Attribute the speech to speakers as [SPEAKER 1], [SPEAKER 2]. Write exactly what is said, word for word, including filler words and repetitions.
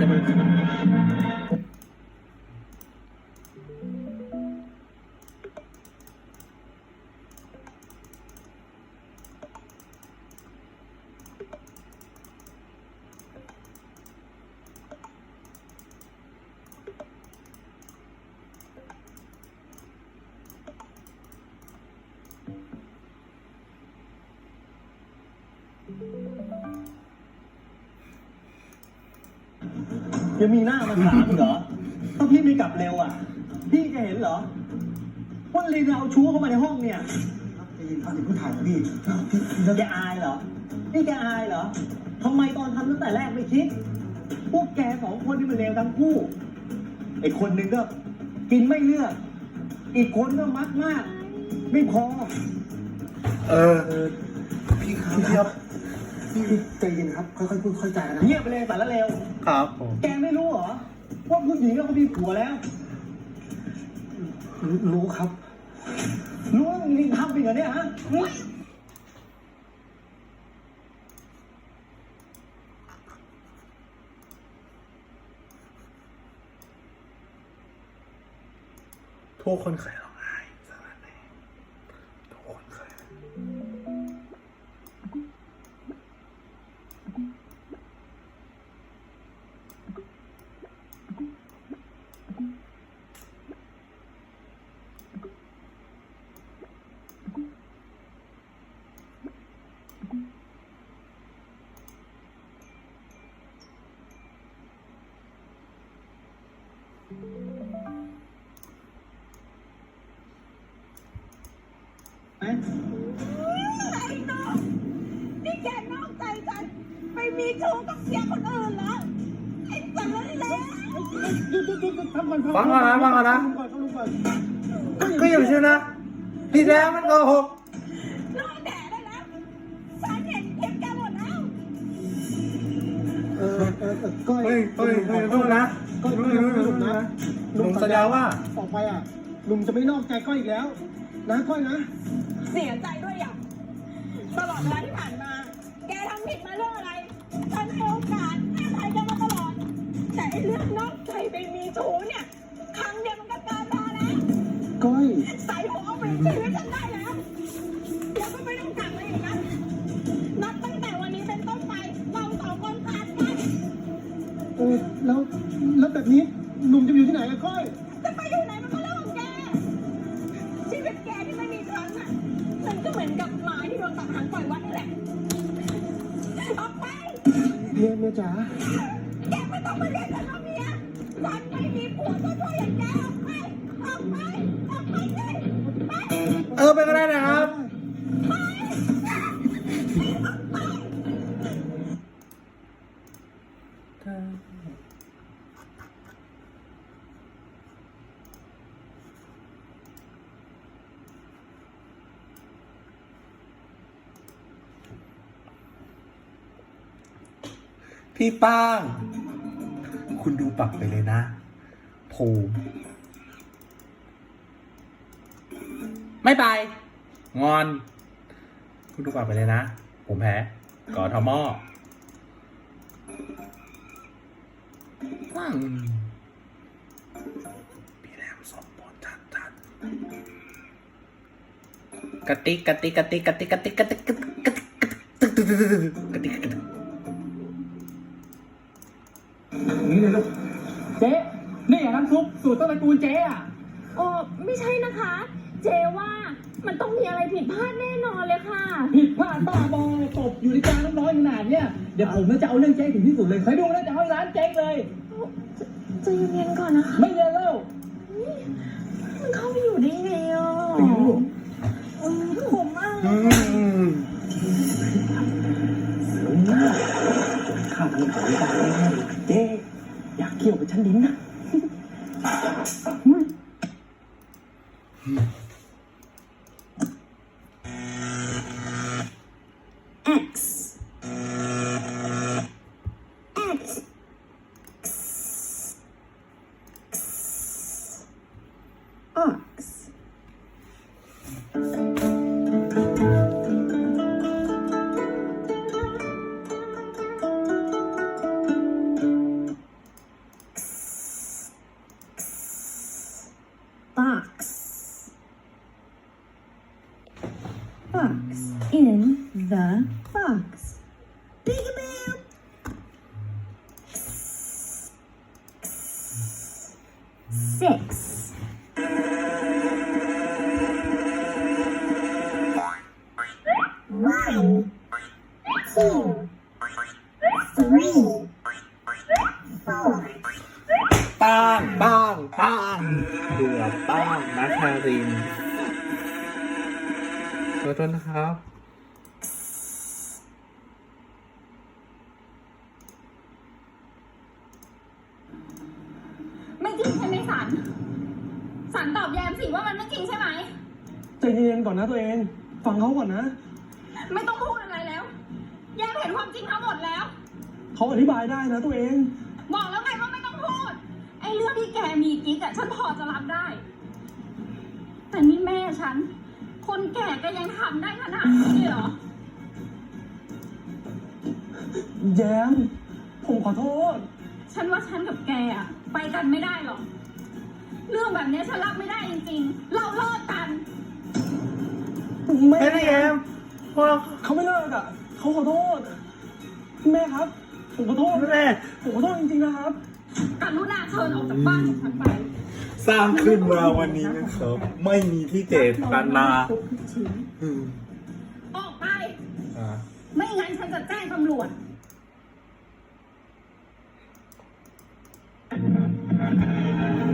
[SPEAKER 1] ยังมีหน้ามาถามเหรอถ้าพี่ไม่กลับเร็วอ่ะพี่จะเห็นเหรอว่าลีนเอาชู้เข้ามาในห้องเนี่ยได้ยินเขาถึงผู้ถ่ายพี่พี่แกอายเหรอนี่แกอายเหรอทำไมตอนทำตั้งแต่แรกไม่คิดพวกแกสองคนนี่มันเลวทั้งคู่ไอ้คนหนึ่งก็กินไม่เลือกอีกคนก็มักมากไม่พอ
[SPEAKER 2] เออพี่ครับพี่ใจเย็นครับค่อยๆพูดค่อยๆจานะ
[SPEAKER 1] เงียบไปเลยสารเลว
[SPEAKER 2] ครับ
[SPEAKER 1] แกไม่รู้เหรอว่าผู้หญิงเขามีผัวแล้ว
[SPEAKER 2] รู้ครับ
[SPEAKER 1] รู้ว่ามึงทำไปเหรอเนี่ยฮะ
[SPEAKER 2] ทุกคนเคยร้องไห้สารแน่ทุกคนเคย
[SPEAKER 3] นี่แกนอกใจฉันไปมีชู้กับเสียคนอื่นเหรอไอ้สารเลว
[SPEAKER 2] ฟังก่อนนะฟังก่อนนะก็อย่าเชื่อนะพี่แล้วมันโกหก
[SPEAKER 3] รอแดดได้แล้วฉันเห็นคลิปแกหมดแล้ว
[SPEAKER 2] เออเออก็เฮ้ยเฮ้ยเฮ้ยพูดนะก็ลุงลุงนะลุงสัญญาว่า
[SPEAKER 1] ต่อไปอ่ะลุงจะไม่นอกใจก้อยอีกแล้วนะก้อยนะ
[SPEAKER 3] เสียใจด้วยอ่ะตลอดเวลาที่ผ่านมาแกทำผิดมาเรื่องอะไรฉันให้โอกาสให้อภัยแกมาตลอดแต่ไอ้เรื่องนอกใจไปมีชู้เนี่ยครั้งเดียวมันก็เกินพอแล้ว
[SPEAKER 1] ก้อย
[SPEAKER 3] ใส่หัวเอาไปชีวิตฉันได้แล้วแล้วก็ไม่ต้องกลับมาอีกนะนับตั้งแต่วันนี้เป็นต้นไปเราสองคนขาดกัน
[SPEAKER 1] เออแล้วแล้วแบบนี้หนุ่มจะอยู่ที่ไหนอะก้อย
[SPEAKER 3] จะไปอยู่ไหนมันก็เรื่องของแกชีวิตแกที่ไม่มีฉันอ่ะฉันก็เหมือนกับหมาที่โดนตัดหางปล่อยวัดนี่แหละออกไป
[SPEAKER 1] เมียเมียจ๋า
[SPEAKER 3] แกไม่ต้องมาเรียกฉันว่าเมียฉันไม่มีผัวชั่วๆอย่างแกออกไปออกไปออกไปเลยไป
[SPEAKER 2] เออไปก็ได้นะครับพี่ป้างคุณดูปักไปเลยนะภูมิไม่ไปงอนคุณดูปักไปเลยนะผมแพ้กอทมว้างพี่แรมสมบูรณ์จัดจัดกติกกติกกติกกติกกติกกติกกติกกติกกติกกติก
[SPEAKER 1] นี่เลยลูกเจ๊นี่น้ำซุปสูตรต้นตระกูลเจ๊อ่ะ
[SPEAKER 3] โอ้ไม่ใช่นะคะเจว่ามันต้องมีอะไรผิดพลาดแน่นอนเลยค่ะ
[SPEAKER 1] ผิดพลาดบ้าบอตบอยู่ในจานน้ำร้อนขนาดเนี้ยเดี๋ยวผมจะเอาเรื่องเจ๊ถึงที่สุดเลยใครดูแล้วจะเอาร้านเจ๊เลย
[SPEAKER 3] ใจเย็นๆก่อนนะคะ
[SPEAKER 1] ไม่เย็นแล้ว
[SPEAKER 3] มันเข้าไปอยู่ได้ไงอ่ะผมอ่ะ
[SPEAKER 1] ข้าทำสายตาเจ๊อยากเกี่ยวกับฉันดิ้นนะ
[SPEAKER 3] X X X six one two three four
[SPEAKER 2] ป้างป้างป้างเบื่อป้างนัทธารินขอโทษนะครับ
[SPEAKER 3] ไม่จริงใช่ไหมสัน สันตอบแยมสิว่ามันไม่จริงใช่ไหม
[SPEAKER 1] ใจเย็นๆก่อนนะตัวเอง ฟังเขาก่อนนะ
[SPEAKER 3] ไม่ต้องพูดอะไรแล้ว แยมเห็นความจริงทั้งหมดแล้ว
[SPEAKER 1] เขาอธิบายได้นะตัวเอง
[SPEAKER 3] บอกแล้วไงว่าไม่ต้องพูด ไอ้เรื่องที่แกมีกิ๊กอะฉันพอจะรับได้ แต่นี่แม่ฉัน คนแก่ก็ยังทำได้ขนาดนี้เหรอ
[SPEAKER 1] แย้ม ผมขอโทษ
[SPEAKER 3] ฉันว่าฉันกับแกอะไปกันไม่ได้หรอก เรื่องแบบนี้ฉันรับไม่ได้จริงๆ เราเลิกกัน
[SPEAKER 1] แม่
[SPEAKER 2] ไม่ได้แอมพวก
[SPEAKER 1] เขาไม่เลิกอ่ะ เขาขอโทษ แม่ครับ ผมขอโทษ
[SPEAKER 2] แม่
[SPEAKER 1] ผมขอโทษจริงๆนะครับ
[SPEAKER 3] กรุณาเชิญออกจากบ้านของฉันไป
[SPEAKER 2] สร้างขึ้นมาวันนี้นะครับ ไม่มีที่เจตนาอืม
[SPEAKER 3] ออกไป
[SPEAKER 2] อ่า
[SPEAKER 3] ไม่งั้นฉันจะแจ้งตำรวจ
[SPEAKER 2] อ